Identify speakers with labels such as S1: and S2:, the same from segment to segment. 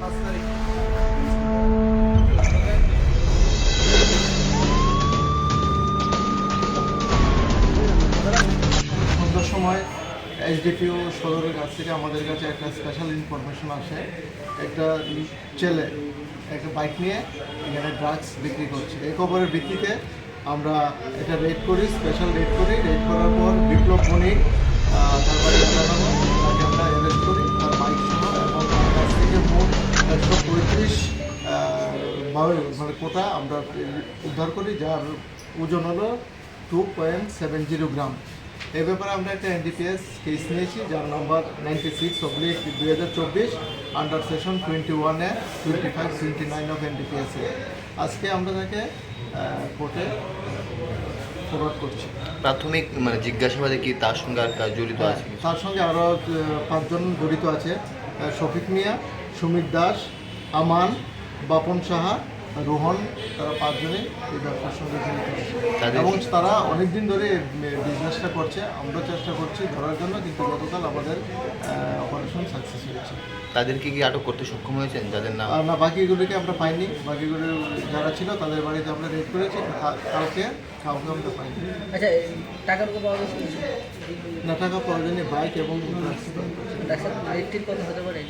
S1: সন্ধ্যার সময় এসডিপিও সদরের কাছ থেকে আমাদের কাছে একটা স্পেশাল ইনফরমেশন আসে। একটা ছেলে একটা বাইক নিয়ে এখানে ড্রাগস বিক্রি করছে। এই খবরের ভিত্তিতে আমরা এটা রেড করি, স্পেশাল রেড করি। রেড করার পর বিপ্লব বণিক তার বাড়ি জানানো, তাকে আমরা অ্যারেস্ট করি তার বাইক সহ, এবং তার কাছ থেকে মোট 135 মানে কোটা আমরা উদ্ধার করি, যার ওজন হলো 2.70 গ্রাম। এই ব্যাপারে আমরা একটা এনডিপিএস কেস নিয়েছি, যার নম্বর 96/2024 under section 21A 2529 of NDPS. আজকে আমরা তাকে কোর্টে ফরওয়ার্ড করছি।
S2: প্রাথমিক জিজ্ঞাসাবাদে কি তার সঙ্গে আর কাজ জড়িত আছে?
S1: তার সঙ্গে আরও 5 জন জড়িত আছে। শফিক মিয়া, সুমিত দাস, আমান, বাপন সাহা, রোহন, তারা 5 জনই এই ব্যবসার সঙ্গে জড়িত আছে এবং তারা অনেকদিন ধরে বিজনেসটা করছে। আমরা চেষ্টা করছি ধরার জন্য, কিন্তু গতকাল আমাদের অপারেশন সাকসেস হয়েছে।
S2: তাদেরকে কি আটক করতে সক্ষম হয়েছেন যাদের নাম?
S1: না, বাকিগুলিকে আমরা পাইনি। বাকিগুলো যারা ছিল তাদের বাড়িতে আমরা রেড করেছি, কাউকে আমরা পাইনি।
S3: আচ্ছা, টাকার উপর পাওয়া গেছে
S1: না, টাকা পাওয়া যায়নি, বাইক এবং
S3: রেটটির কত হতে পারে?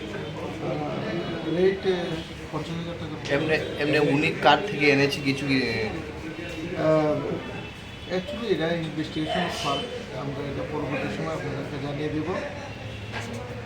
S1: রেট 50,000 টাকা।
S2: এমনি উনি কার থেকে এনেছে কিছু কি?
S1: অ্যাকচুয়ালি এটা ইনভেস্টিগেশন পার্ট, আমরা এটা পরবর্তী সময় আপনাদেরকে জানিয়ে দেবো।